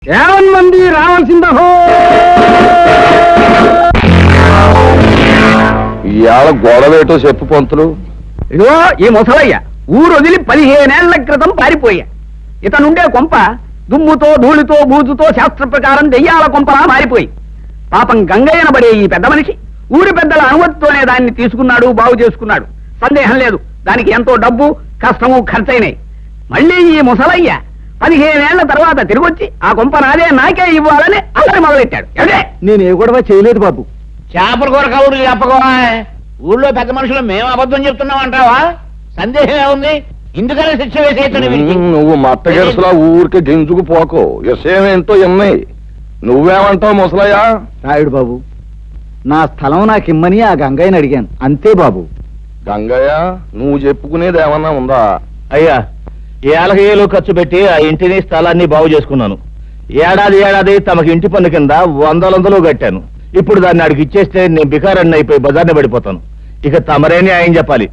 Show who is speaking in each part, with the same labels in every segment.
Speaker 1: మంది రావాల్సిందహో.
Speaker 2: ఇవాళ గొడవేటో చెప్పు పంతులు.
Speaker 1: ఇదిగో ఈ ముసలయ్య ఊరు వదిలి 15 ఏళ్ల క్రితం పారిపోయా. ఇతనుండే కొంప దుమ్ముతో ధూళితో బూజుతో శాస్త్ర ప్రకారం దెయ్యాల కొంపలా మారిపోయి పాపం గంగయ్యనబడే ఈ పెద్ద మనిషి ఊరి పెద్దల అనుమతితోనే దాన్ని తీసుకున్నాడు, బాగు చేసుకున్నాడు. సందేహం లేదు, దానికి ఎంతో డబ్బు కష్టము ఖర్చయినాయి. మళ్ళీ ఈ ముసలయ్య 15 ఏళ్ల తర్వాత తిరిగొచ్చి ఆ కొంప నాకే ఇవ్వాలని అల్లరి మొదలెట్టాడు.
Speaker 2: నేను ఏ గొడవ చేయలేదు బాబు.
Speaker 3: చేపల కూర కబుర్లు చెప్పకోవా. ఊళ్ళో పెద్ద మనుషులు మేము అబద్ధం చెప్తున్నాం అంటావా? సందేహం ఏముంది? ఇందుకనే శిక్ష వేసేయచ్చు.
Speaker 2: నువ్వు మట్టగెరసలా ఊరికి గింజుకు పోకో. విషయం ఏంటో ఎన్నాయి. నువ్వేమంటావు ముసలయ్య?
Speaker 1: రాయుడు బాబు, నా స్థలం నాకిమ్మని ఆ గంగయ్యని అడిగాను, అంతే బాబు.
Speaker 2: గంగయ్య, నువ్వు చెప్పుకునేది ఏమన్నా ఉందా?
Speaker 4: అయ్యా, ఏళ్ళకి ఏళ్ళు ఖర్చు పెట్టి ఆ ఇంటిని స్థలాన్ని బాగు చేసుకున్నాను. ఏడాది తమకి ఇంటి పన్ను కింద 100 కట్టాను. ఇప్పుడు దాన్ని ఆడికి ఇచ్చేస్తే నేను బికారాన్ని అయిపోయి బజార్ని పడిపోతాను. ఇక తమరేని ఆయన చెప్పాలి.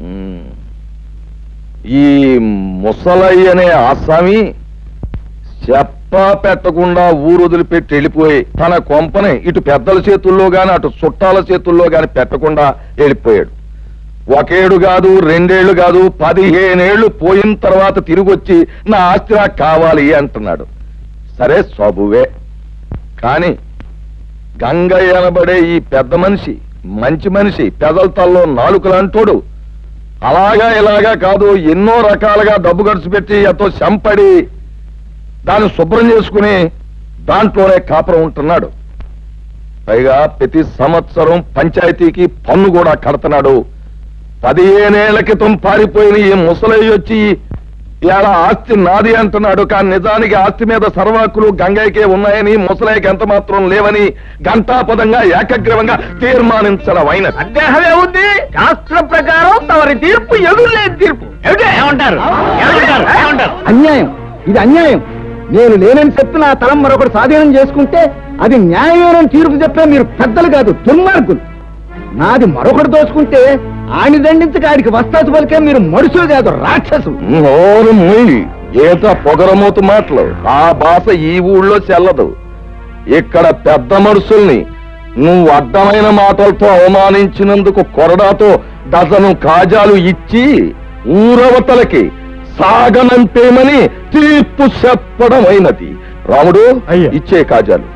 Speaker 2: ఈ ముసలయ్య అనే ఆసామి చెప్ప పెట్టకుండా ఊరు వదిలిపెట్టి వెళ్ళిపోయి తన కొంపని ఇటు పెద్దల చేతుల్లో గాని అటు చుట్టాల చేతుల్లో గాని పెట్టకుండా వెళ్ళిపోయాడు. 1 ఏడు కాదు, 2 ఏళ్లు కాదు, 15 ఏళ్లు పోయిన తర్వాత తిరిగొచ్చి నా ఆస్తి నాకు కావాలి అంటున్నాడు. సరే సబువే. కాని గంగయ్య అనబడే ఈ పెద్ద మనిషి మంచి మనిషి, పెదల తల్లో నాలుకలంటోడు. అలాగా ఇలాగా కాదు, ఎన్నో రకాలుగా డబ్బు ఖర్చు పెట్టి ఎంతో చంపడి దాన్ని శుభ్రం చేసుకుని దాంట్లోనే కాపురం ఉంటున్నాడు. పైగా ప్రతి సంవత్సరం పంచాయతీకి పన్ను కూడా కడుతున్నాడు. 15 ఏళ్ల క్రితం పారిపోయిన ఈ ముసలయ్య వచ్చి ఇలా ఆస్తి నాది అంటున్నాడు. కానీ నిజానికి ఆస్తి మీద సర్వాకులు గంగయ్యకే ఉన్నాయని, ముసలయ్యకి ఎంత మాత్రం లేవని ఘంటాపదంగా ఏకగ్రీవంగా తీర్మానించడం అయిన.
Speaker 1: సందేహమే ఉంది. శాస్త్ర ప్రకారం తమరి తీర్పు ఎదురులేని తీర్పు.
Speaker 3: ఏమంటారు?
Speaker 1: అన్యాయం, ఇది అన్యాయం. నేను లేనని చెప్పి నా తలం మరొకటి స్వాధీనం చేసుకుంటే అది న్యాయమైన తీర్పు చెప్పే మీరు పెద్దలు కాదు, దుర్మార్గులు. నాది మరొకటి దోచుకుంటే ఆని దండించక ఆడికి వస్తాసు పలికే మీరు మనుషులు కాదు, రాక్షసులు.
Speaker 2: నోరు మూయి. ఏత పొగరమూతు మాటలు. ఆ భాష ఈ ఊళ్ళో చెల్లదు. ఇక్కడ పెద్ద మనుషుల్ని నువ్వు అడ్డమైన మాటలతో అవమానించినందుకు కొరడాతో డజను కాజాలు ఇచ్చి ఊరవతలకి సాగనంపేమని తీర్పు చెప్పడం అయినది. రాముడు, ఇచ్చే కాజాలు.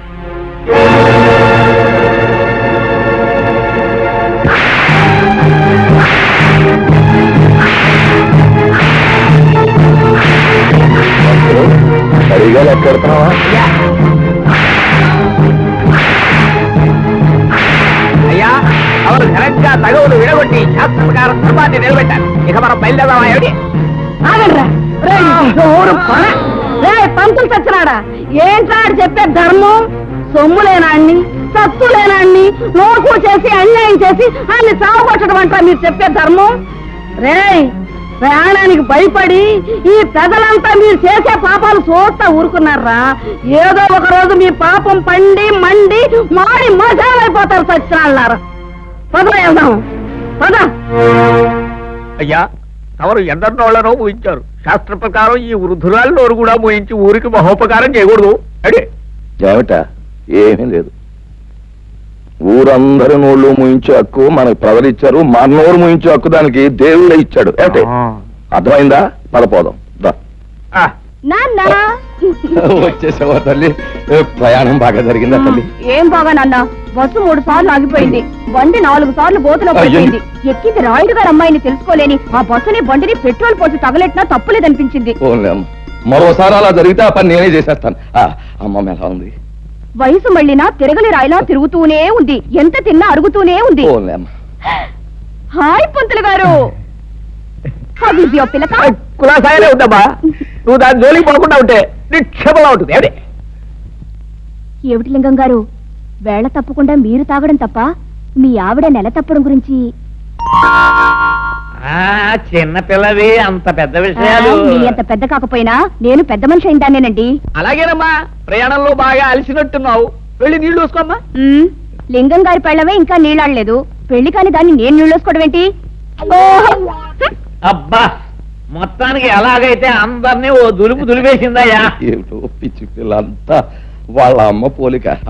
Speaker 2: సరిగా లెక్కెడతావా?
Speaker 1: అయ్యా, అవరు ఘనంగా తగవులు విడగొట్టి శాస్త్ర ప్రకారం ధర్మాన్ని నిలబెట్టారు. ఇక మనం బయలుదేరదామా? ఏమిటి?
Speaker 5: పంతులు చచ్చినాడా? ఏంటాడు చెప్పే ధర్మం? సొమ్ము లేనాన్ని, సత్తు లేనాన్ని నోకు చేసి అన్యాయం చేసి అన్ని సాగుపట్టడం అంటారా మీరు చెప్పే ధర్మం? ప్రయాణానికి భయపడి ఈ పెదలంతా మీరు చేసే పాపాలు చూస్తా ఊరుకున్నారా? ఏదో ఒక రోజు మీ పాపం పండి మండి మాడి మసాలైపోతారు సచ్చినాళ్ళారా. పద వెళ్దాం, పద.
Speaker 1: అయ్యా, తమరు ఎందరినోళ్లనో ఊహించారు. శాస్త్ర ప్రకారం ఈ వృద్ధురాల్లో కూడా ఊహించి ఊరికి మహోపకారం చేయకూడదు. అడే
Speaker 2: ఏమిట? ఏమీ లేదు. ఊరందరి నోళ్ళు ముయించే హక్కు మనకు ప్రజలిచ్చారు. మన నోరు ముయించే హక్కు దానికి దేవుడే ఇచ్చాడు. అంటే అర్థమైందా? పదపోదాం. వచ్చేసావా తల్లి? ప్రయాణం బాగా జరిగిందా తల్లి?
Speaker 5: ఏం బాగా నాన్న, బస్సు 3 సార్లు ఆగిపోయింది. బండి 4 సార్లు గోతులో పడిపోయింది. ఎక్కింది రాయుడు గారు అమ్మాయిని తెలుసుకోలేని ఆ బస్సుని బండిని పెట్రోల్ పోసి తగలెట్టినా తప్పులేదనిపించింది.
Speaker 2: మరోసారి అలా జరిగితే ఆ పని నేనే చేసేస్తాను. అమ్మమ్మ ఎలా ఉంది?
Speaker 5: వయసు మళ్ళినా తిరగలి రాయిలా తిరుగుతూనే ఉంది. ఎంత తిన్నా అరుగుతూనే ఉంది. హాయ్ పంతులు గారు.
Speaker 1: కులాసాయనే ఉందమ్మా. నువ్వు దాని జోలికి పడకుండా ఉంటే నిక్షేపంగా ఉంటుంది.
Speaker 5: ఏమిటి లింగం గారు, వేళ తప్పకుండా మీరు తాగడం తప్ప మీ ఆవిడ నెల తప్పడం గురించి?
Speaker 3: చిన్న పిల్లవి, అంత పెద్ద విషయాలు.
Speaker 5: మీ అంత పెద్ద కాకపోయినా నేను పెద్ద మనిషి అయిందానేనండి.
Speaker 1: అలాగేనమ్మా, ప్రయాణంలో బాగా అలసినట్టున్నావు. వెళ్ళి నీళ్లు చూసుకోమ్మా.
Speaker 5: లింగం గారి పెళ్ళమే ఇంకా నీళ్ళాడలేదు. పెళ్లి కాని దాన్ని నేను నీళ్ళు వేసుకోవడం ఏంటి?
Speaker 3: అబ్బా, మొత్తానికి ఎలాగైతే అందరినీ ఓ దులుపు దులిపేసిందయ్యా.
Speaker 2: ఏమిటో పిచ్చి పిల్లంతా వాళ్ళ అమ్మ పోలిక.